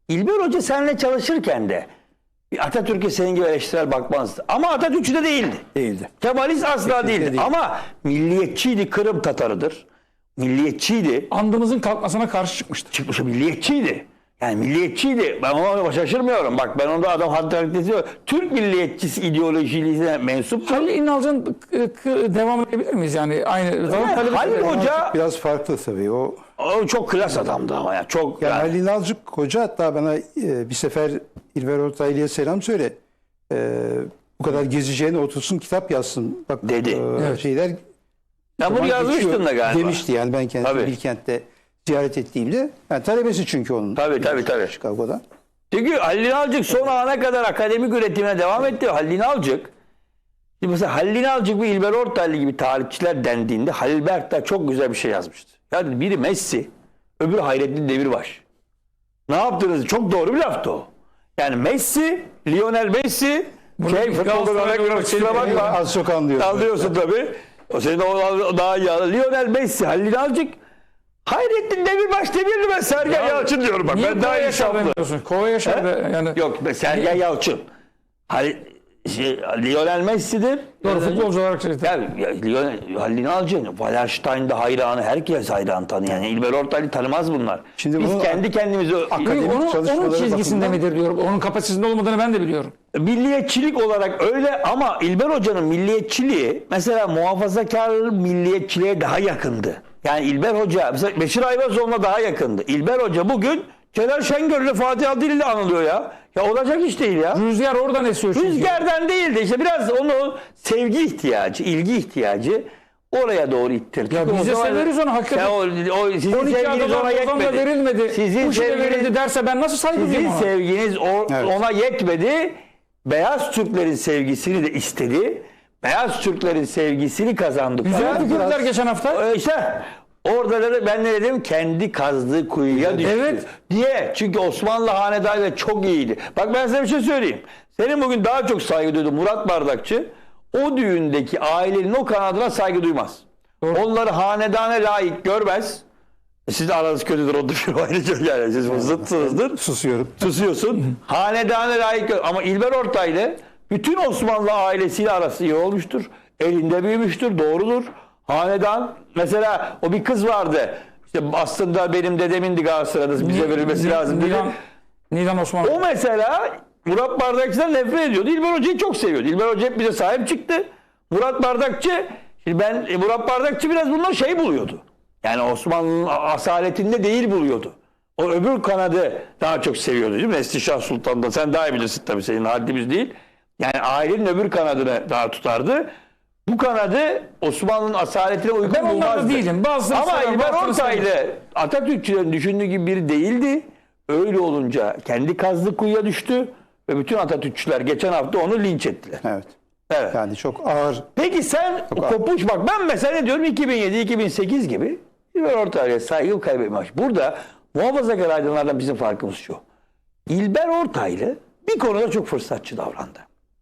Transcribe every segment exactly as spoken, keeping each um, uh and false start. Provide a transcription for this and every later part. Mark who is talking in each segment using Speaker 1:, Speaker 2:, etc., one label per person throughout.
Speaker 1: İlber Hoca seninle çalışırken de Atatürk'e senin gibi eleştirel bakmazdı. Ama Atatürkçü de değildi.
Speaker 2: Değildi.
Speaker 1: Kemalist asla
Speaker 2: Kesinlikle
Speaker 1: değildi.
Speaker 2: değil.
Speaker 1: Ama milliyetçiydi, Kırım Tatarıdır. Milliyetçiydi.
Speaker 3: Andımızın kalkmasına karşı çıkmıştı.
Speaker 1: Çıkmış milliyetçiydi. Yani milliyetçiydi. Ben ona şaşırmıyorum. Bak ben onda adam hatta Türk milliyetçisi ideolojisine mensup.
Speaker 3: Halil İnalcı'nın k- k- devam edebilir miyiz yani? Aynı.
Speaker 1: Yani Halil Hoca
Speaker 2: Biraz farklı tabii. O
Speaker 1: o çok klas adamdı ama ya. Çok
Speaker 2: yani
Speaker 1: yani.
Speaker 2: Halil İnalcık Hoca hatta bana e, bir sefer İlber Ortaylı'ya selam söyle. E, bu kadar gezeceğine otursun kitap yazsın. Bak
Speaker 1: Dedi.
Speaker 2: e,
Speaker 3: Evet.
Speaker 2: şeyler
Speaker 1: Ya bunu
Speaker 2: zaman
Speaker 1: yazmıştın
Speaker 2: geçiyor
Speaker 1: da galiba.
Speaker 2: demişti yani ben kendisi
Speaker 1: Tabii.
Speaker 2: Bilkent'te ziyaret ettiğimde. Yani talebesi çünkü onun.
Speaker 1: Tabii tabii tabii.
Speaker 2: Chicago'da.
Speaker 1: Çünkü Halil İnalcık son ana kadar akademik üretimine devam etti. Halil İnalcık, şimdi mesela Halil İnalcık ve İlber Ortaylı gibi tarihçiler dendiğinde Halil Berktaş çok güzel bir şey yazmıştı. Yani biri Messi, öbürü Hayrettin Demirbaş. Ne yaptınız? Çok doğru bir laftı o. Yani Messi, Lionel Messi, şey futbolda örnek veriyorum, kusura bakma.
Speaker 2: Az çok anlıyorum.
Speaker 1: Anlıyorsun tabii. O senin o daha iyi. Lionel Messi, Halil İnalcık, Hayrettin Demirbaş demirli ben Sergen Yalçın diyorum bak.
Speaker 3: Niye
Speaker 1: Ben daha
Speaker 3: Kova
Speaker 1: iyi
Speaker 3: Yaşar
Speaker 1: şaplı.
Speaker 3: demiyorsun? Kova Yaşar da yani.
Speaker 1: Yok be, Sergen Yalçın. Halil, şey, Lionel Messi'dir.
Speaker 3: Doğru futbolcu olarak şey.
Speaker 1: Yani, ya, Lionel, Halil İnalcık, Wallerstein'de hayranı, herkes hayran tanıyor. Yani İlber Ortaylı tanımaz bunlar.
Speaker 2: Şimdi
Speaker 1: Biz
Speaker 2: bunu
Speaker 1: kendi kendimize
Speaker 2: akademik
Speaker 3: Onun, onun
Speaker 2: çalışmaları
Speaker 3: çizgisinde
Speaker 2: bakımından-
Speaker 3: midir diyorum. Onun kapasitesinde olmadığını ben de biliyorum.
Speaker 1: milliyetçilik olarak öyle ama İlber Hoca'nın milliyetçiliği mesela muhafazakar milliyetçiliğe daha yakındı. Yani İlber Hoca mesela Beşir Ayvazoğlu'na daha yakındı. İlber Hoca bugün Celal Şengör'le Fatih Adil ile anılıyor ya. Ya olacak iş değil ya.
Speaker 3: Rüzgar oradan esiyor çünkü.
Speaker 1: Rüzgardan değildi işte biraz onu sevgi ihtiyacı, ilgi ihtiyacı oraya doğru ittirdi.
Speaker 3: Ya biz de severiz onu hakikaten.
Speaker 1: Ya o, o, sizin
Speaker 3: on iki
Speaker 1: sevginiz
Speaker 3: adalar
Speaker 1: ona
Speaker 3: Ozan'da
Speaker 1: yetmedi.
Speaker 3: verilmedi.
Speaker 1: Sizin
Speaker 3: Bu şey
Speaker 1: sevginiz,
Speaker 3: verildi derse ben nasıl saygı
Speaker 1: sizin
Speaker 3: duyayım ona?
Speaker 1: sevginiz o,
Speaker 2: Evet.
Speaker 1: ona yetmedi. Beyaz Türklerin sevgisini de istedi. Beyaz Türklerin sevgisini kazandı.
Speaker 3: Güzel
Speaker 1: Fakat
Speaker 3: tükürdüler
Speaker 1: biraz-
Speaker 3: geçen hafta.
Speaker 1: Ee, İşte orada da ben ne dedim? Kendi kazdığı kuyuya düştü.
Speaker 3: Evet.
Speaker 1: Niye? Çünkü Osmanlı hanedanı çok iyiydi. Bak ben size bir şey söyleyeyim. Senin bugün daha çok saygı duyduğun Murat Bardakçı o düğündeki ailenin o kanadına saygı duymaz.
Speaker 3: Doğru.
Speaker 1: Onları hanedana layık görmez. Siz de aranız kötüdür o düşün ayrıca yani siz zıtsınızdır.
Speaker 2: Susuyorum.
Speaker 1: Susuyorsun. Hanedana layık gör. Ama İlber Ortaylı bütün Osmanlı ailesiyle arası iyi olmuştur. Elinde büyümüştür. Doğrudur. Hanedan mesela o bir kız vardı. İşte aslında benim dedemindi Galatasaray'da bize verilmesi
Speaker 3: Ni-
Speaker 1: lazım dedi.
Speaker 3: Nilan, Nilan Osman.
Speaker 1: O mesela Murat Bardakçı'dan nefret ediyordu. İlber Hoca'yı çok seviyordu. İlber Hoca hep bize sahip çıktı. Murat Bardakçı, şimdi ben e, Murat Bardakçı biraz bundan şey buluyordu. Yani Osmanlı'nın asaletinde değil buluyordu. O öbür kanadı daha çok seviyordu değil mi? Neslişah Sultan'da sen daha iyi bilirsin tabii senin haddimiz değil. Yani ailenin öbür kanadını daha tutardı. Bu kanadı Osmanlı'nın asaletine uygun
Speaker 3: Ben onlarda
Speaker 1: bulmazdı.
Speaker 3: değilim. Bazıları
Speaker 1: Ama
Speaker 3: sever,
Speaker 1: İlber
Speaker 3: bazıları sevmez.
Speaker 1: Ortaylı Atatürkçülerin düşündüğü gibi biri değildi. Öyle olunca kendi kazdığı kuyuya düştü ve bütün Atatürkçüler geçen hafta onu linç ettiler.
Speaker 2: Evet.
Speaker 1: Evet.
Speaker 2: Yani çok ağır.
Speaker 1: Peki sen
Speaker 2: Çok ağır.
Speaker 1: kopuş bak ben mesela ne diyorum iki bin yedi iki bin sekiz gibi İlber Ortaylı'ya saygı kaybetmiş. Burada muhafazakar aydınlardan bizim farkımız şu. İlber Ortaylı bir konuda çok fırsatçı davrandı.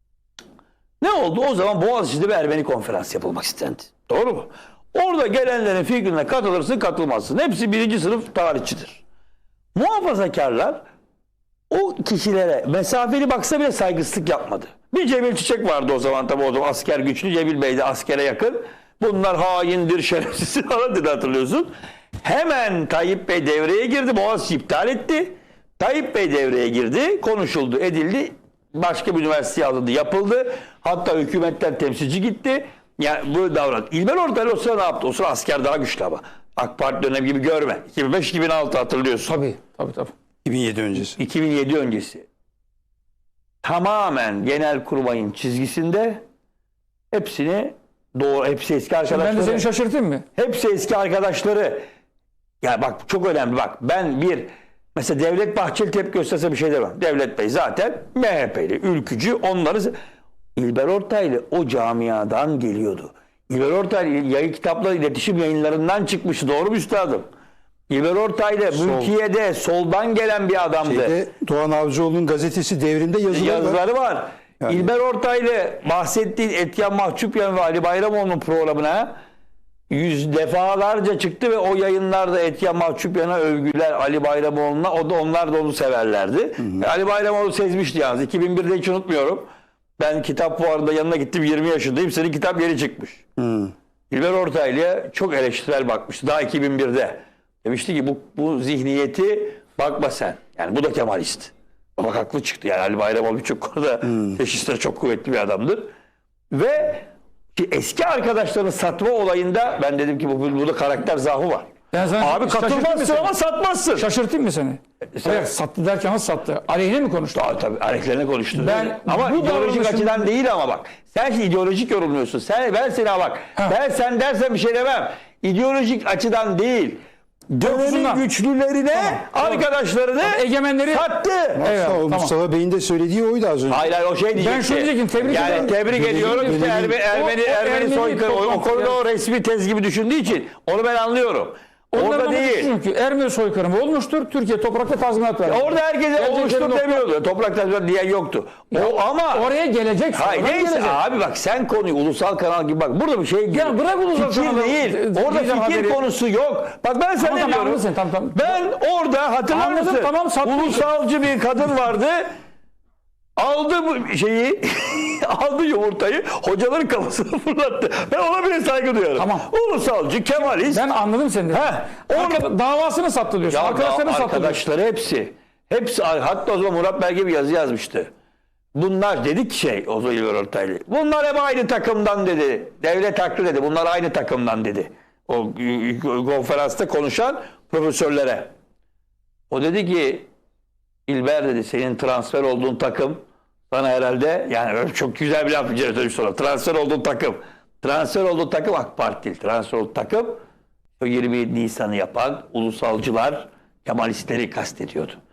Speaker 1: Ne oldu? O zaman Boğaziçi'de bir Ermeni konferans yapılmak istendi. Doğru mu? Orada gelenlerin fikrine katılırsın katılmazsın. Hepsi birinci sınıf tarihçidir. Muhafazakarlar o kişilere mesafeli baksa bile saygısızlık yapmadı. Bir Cemil Çiçek vardı o zaman tabii o zaman asker güçlü. Cemil Bey de askere yakın. Bunlar haindir, şerefsiz falan dedi hatırlıyorsun. Hemen Tayyip Bey devreye girdi. Boğaziçi iptal etti. Tayyip Bey devreye girdi. Konuşuldu, edildi. Başka bir üniversiteye alındı, yapıldı. Hatta hükümetten temsilci gitti. Yani bu davran. İlber Ortaylı o sıra ne yaptı? O sıra asker daha güçlü ama. AK Parti dönemi gibi görme. iki bin beş iki bin altı hatırlıyorsun.
Speaker 3: Tabii, tabii, tabii.
Speaker 2: iki bin yedi öncesi.
Speaker 1: iki bin yedi öncesi. Tamamen Genelkurmay'ın çizgisinde hepsini doğru, hepsi eski arkadaşları.
Speaker 3: Ben de seni şaşırtayım mı?
Speaker 1: Hepsi eski arkadaşları. Ya bak çok önemli bak. Ben bir mesela Devlet Bahçeli tepki gösterse bir şey demem. Devlet Bey zaten M H P'li, ülkücü onları İlber Ortaylı o camiadan geliyordu. İlber Ortaylı yayın kitapları iletişim yayınlarından çıkmıştı. Doğru mu üstadım? İlber Ortaylı
Speaker 2: Sol.
Speaker 1: mülkiyede soldan gelen bir adamdı.
Speaker 2: Şeyde, Doğan Avcıoğlu'nun gazetesi Devrim'de yazıları,
Speaker 1: Yazıları
Speaker 2: var.
Speaker 1: var.
Speaker 2: Yani.
Speaker 1: İlber Ortaylı bahsettiğin Etyen Mahçupyan ve Ali Bayramoğlu'nun programına yüz defalarca çıktı ve o yayınlarda Etya Mahçupyan'a övgüler Ali Bayramoğlu'na, o da onlar da onu severlerdi. E, Ali Bayramoğlu sezmişti yalnız. iki bin birde hiç unutmuyorum. Ben kitap fuarında yanına gittim, yirmi yaşındayım. Senin kitap yeni çıkmış.
Speaker 2: Hı.
Speaker 1: İlber Ortaylı'ya çok eleştirel bakmıştı. Daha iki bin birde. Demişti ki bu, bu zihniyeti bakma sen. Yani bu da Kemalist. Bak haklı çıktı. Yani Ali Bayramoğlu birçok konuda teşhisleri çok kuvvetli bir adamdır. Ve ki eski arkadaşlarını satma olayında ben dedim ki bu burada karakter zaafı var.
Speaker 3: Ben sana
Speaker 1: Abi
Speaker 3: şaşırtayım mı
Speaker 1: katılmazsın
Speaker 3: seni?
Speaker 1: ama satmazsın.
Speaker 3: Şaşırtayım mı seni?
Speaker 1: sen-
Speaker 3: Evet, sattı derken nasıl sattı? Aleyhine mi konuştu?
Speaker 1: Tabii tabii aleyhlerine konuştu.
Speaker 3: Ben
Speaker 1: ama
Speaker 3: bu
Speaker 1: ideolojik
Speaker 3: davranışın-
Speaker 1: açıdan değil ama bak. Sen şimdi ideolojik yorumluyorsun. Sen ben sana bak.
Speaker 3: Ha.
Speaker 1: Ben sen dersen bir şey demem. İdeolojik açıdan değil. Dönemin
Speaker 3: Korkusundan.
Speaker 1: güçlülerine arkadaşlarını
Speaker 3: Egemenleri
Speaker 1: sattı.
Speaker 3: Evet,
Speaker 2: o
Speaker 3: tamam.
Speaker 2: Mustafa Bey'in de söylediği oydu az önce.
Speaker 1: Hayır hayır o şey diyecekti.
Speaker 3: Ben şunu diyecektim, tebrik
Speaker 1: yani
Speaker 3: ederim.
Speaker 1: tebrik
Speaker 2: Belediye-
Speaker 1: ediyorum. İşte
Speaker 2: belediye-
Speaker 1: Ermeni, Ermeni,
Speaker 3: O- o
Speaker 1: Ermeni
Speaker 3: Ermeni
Speaker 1: soykırımı. O, o
Speaker 3: toplantı
Speaker 1: konuda
Speaker 3: yani.
Speaker 1: o resmi tez gibi düşündüğü için onu ben anlıyorum.
Speaker 3: Onların
Speaker 1: Orada
Speaker 3: amacı
Speaker 1: değil.
Speaker 3: Çünkü Ermeni soykırımı olmuştur. Türkiye toprakta tazminat verdi.
Speaker 1: Orada herkese
Speaker 3: Gelecekleri
Speaker 1: oluştur
Speaker 3: nokta-
Speaker 1: demiyordu. Toprak tazminat diyen yoktu. O ama
Speaker 3: Oraya gelecek.
Speaker 1: hayır
Speaker 3: sonradan
Speaker 1: neyse
Speaker 3: gelecek.
Speaker 1: abi bak sen konuyu ulusal kanal gibi bak burada bir şey gibi.
Speaker 3: Ya bırak ulusal
Speaker 1: fikir
Speaker 3: kanalı,
Speaker 1: değil.
Speaker 3: e,
Speaker 1: Orada
Speaker 3: diyeceğim
Speaker 1: fikir
Speaker 3: haberi.
Speaker 1: konusu yok. Bak ben sana
Speaker 3: Tamam,
Speaker 1: ne
Speaker 3: tamam,
Speaker 1: diyorum.
Speaker 3: anladın, tamam, tamam.
Speaker 1: Ben orada hatırlar
Speaker 3: Anladım,
Speaker 1: mısın?
Speaker 3: tamam, sattın.
Speaker 1: Ulusalcı bir kadın vardı. Aldı bu şeyi, aldı yumurtayı, hocaların kafasına fırlattı. Ben ona bile saygı duyuyorum.
Speaker 3: Tamam.
Speaker 1: Ulusalcı, Kemalist.
Speaker 3: Ben anladım seni.
Speaker 1: He,
Speaker 3: Arka, davasını sattı diyorsun.
Speaker 1: Ya
Speaker 3: Arkadaşlarını sattı diyorsun.
Speaker 1: arkadaşları hepsi. Hepsi hatta o zaman Murat Belge bir yazı yazmıştı. Bunlar dedik şey o zaman İlber Ortaylı. Bunlar hep aynı takımdan dedi. Devlet haklı dedi. Bunlar aynı takımdan dedi. O konferansta konuşan profesörlere. O dedi ki İlber dedi senin transfer olduğun takım sana herhalde yani öyle çok güzel bir laf bir sonra transfer olduğun takım. Transfer olduğun takım AK Parti değil. Transfer olduğun takım o yirmi yedi Nisan'ı yapan ulusalcılar Kemalistleri kastediyordu.